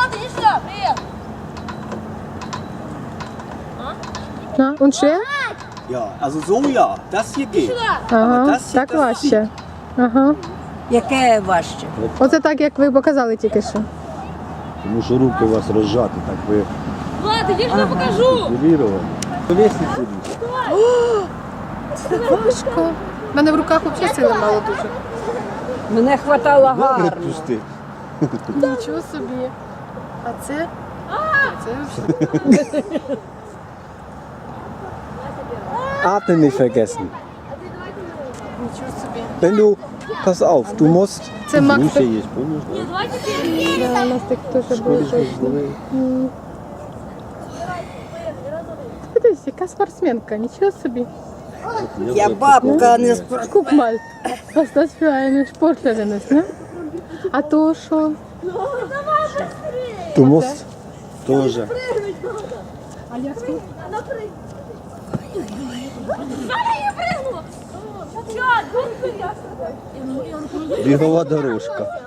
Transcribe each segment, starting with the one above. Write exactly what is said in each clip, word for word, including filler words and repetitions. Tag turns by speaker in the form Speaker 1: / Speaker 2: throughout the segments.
Speaker 1: Na, und schwer?
Speaker 2: Ja, also so ja, das hier geht.
Speaker 1: Ага,
Speaker 2: das hier,
Speaker 1: так
Speaker 2: das
Speaker 1: важче. Ага.
Speaker 3: Яке важче?
Speaker 1: Оце так, як ви показали тільки що.
Speaker 4: Тому що руки у вас розжаті, так ви
Speaker 5: Влад, иди, что я покажу.
Speaker 4: культивіровані. Повісниці.
Speaker 1: Це важко. У мене в руках взагалі сили мало дуже.
Speaker 3: Мене хватало гарно.
Speaker 4: Пусти.
Speaker 1: Нічого собі. А це? Це вже.
Speaker 4: Atmen nicht vergessen.
Speaker 1: Нічого собі.
Speaker 4: Wenn du, pass auf, du musst.
Speaker 1: Це Макс.
Speaker 4: Мусі є, помниш?
Speaker 1: Да, у нас так теж було точно. М. Подивись, яка спортсменка, нічого собі.
Speaker 3: Я бабка, не спро...
Speaker 1: Guck mal, was das für eine Sportlerin ist, ne? А то що?
Speaker 4: Du musst тоже. Бігова дорожка.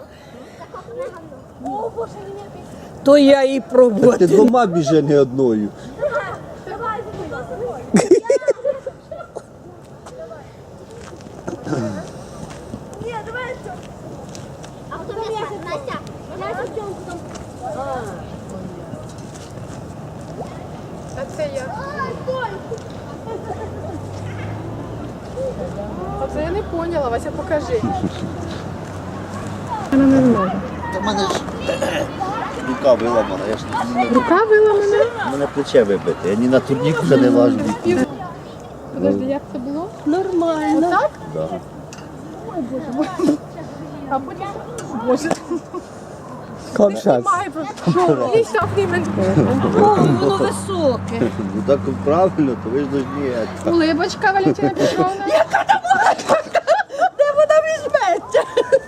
Speaker 3: То я і
Speaker 4: Ти
Speaker 3: пробую.
Speaker 4: двома біже не одною.
Speaker 5: А кто мясо, Настя? Мясо в чем потом?
Speaker 1: А це я. А це я не поняла, Вася, покажи. Вона не зможе.
Speaker 4: Та в мене ж рука виламана, я ж не
Speaker 1: Рука виламана?
Speaker 4: У мене плече вибите, я ні на турнік вже не важу.
Speaker 1: Подожди, як це було?
Speaker 3: Нормально.
Speaker 1: Отак?
Speaker 4: Да.
Speaker 1: А потім... Боже,
Speaker 4: Komm, Schatz.
Speaker 1: лість aufnehmen.
Speaker 3: О, воно високе.
Speaker 4: Ну так правильно, то ви ж должні.
Speaker 1: Улибочка, Валентина Петровна.
Speaker 3: Де вона візьметься?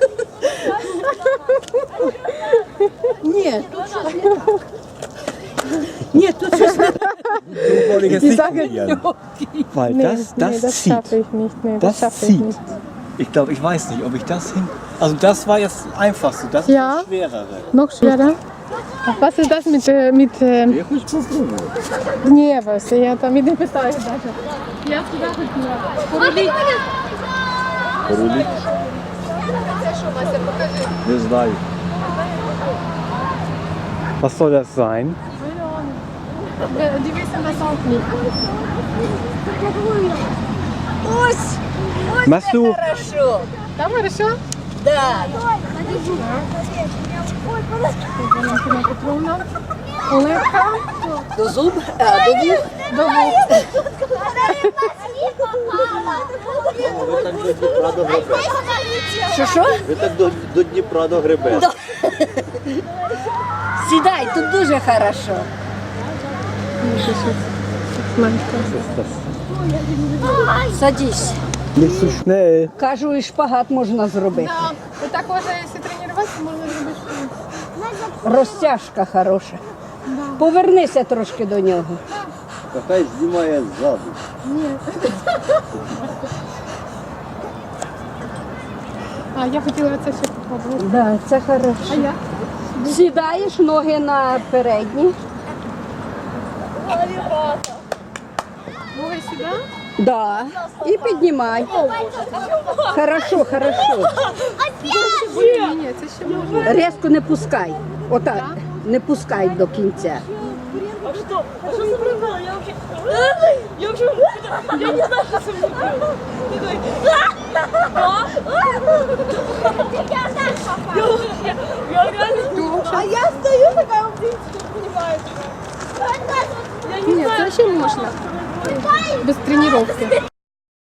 Speaker 3: Ні, тут щось не так. Ні, тут щось не так.
Speaker 1: Die sagen,
Speaker 6: Weil
Speaker 1: nee,
Speaker 6: das, das
Speaker 1: nee, das
Speaker 6: zieht.
Speaker 1: schaffe ich nicht. Nee, das,
Speaker 6: Das
Speaker 1: schaffe ich
Speaker 6: zieht.
Speaker 1: nicht.
Speaker 6: Ich glaube, ich weiß nicht, ob ich das hin. Also das war jetzt das einfachste, das ist
Speaker 1: Ja.
Speaker 6: das schwerere.
Speaker 1: Noch schwerer. Ach, was ist das mit... äh, mit äh,
Speaker 4: Я хочу попробувати.
Speaker 1: Ні, Вася, я там і не питаю навіть. Я туди хотіла. Поруліть.
Speaker 4: Поруліть?
Speaker 1: Це що, Вася, покажи.
Speaker 4: Не знаю.
Speaker 6: Was soll das sein?
Speaker 1: Дивися на сонці.
Speaker 3: Ось, ось
Speaker 6: Machst
Speaker 3: це
Speaker 6: du-
Speaker 3: хорошо.
Speaker 1: Там хорошо?
Speaker 3: Да.
Speaker 1: Валентина Петровна. Оливка.
Speaker 3: До зуб, а, до вух.
Speaker 1: До вух.
Speaker 4: Ви так до Дніпра до гребе.
Speaker 3: Що, що?
Speaker 4: Ви так до, до Дніпра до гребе.
Speaker 3: Да. Сідай, тут дуже хорошо. Садись.
Speaker 6: Nicht so schnell.
Speaker 3: Кажу, і шпагат можна зробити.
Speaker 1: Ви так може, якщо тренуватися, можна зробити шпагат.
Speaker 3: Розтяжка хороша. Повернися трошки до нього.
Speaker 4: Та хай знімає ззаду.
Speaker 1: А, я хотіла це ще попробувати.
Speaker 3: Да, це
Speaker 1: А
Speaker 3: хорошо.
Speaker 1: я?
Speaker 3: Сідаєш ноги на передні.
Speaker 1: Ноги сюди?
Speaker 3: Да. І піднімай. Хорошо, хорошо.
Speaker 1: Ні, ні, це ще можна.
Speaker 3: Резко не пускай. Отак. Не пускай до кінця.
Speaker 5: А что? А что со мной было? Я вообще... Я вообще... Я не знаю, что со мной было. Такой... Я реально... А я стою такая, в принципе, не понимаю. Я не
Speaker 1: Ні, це ще можна. Без тренування.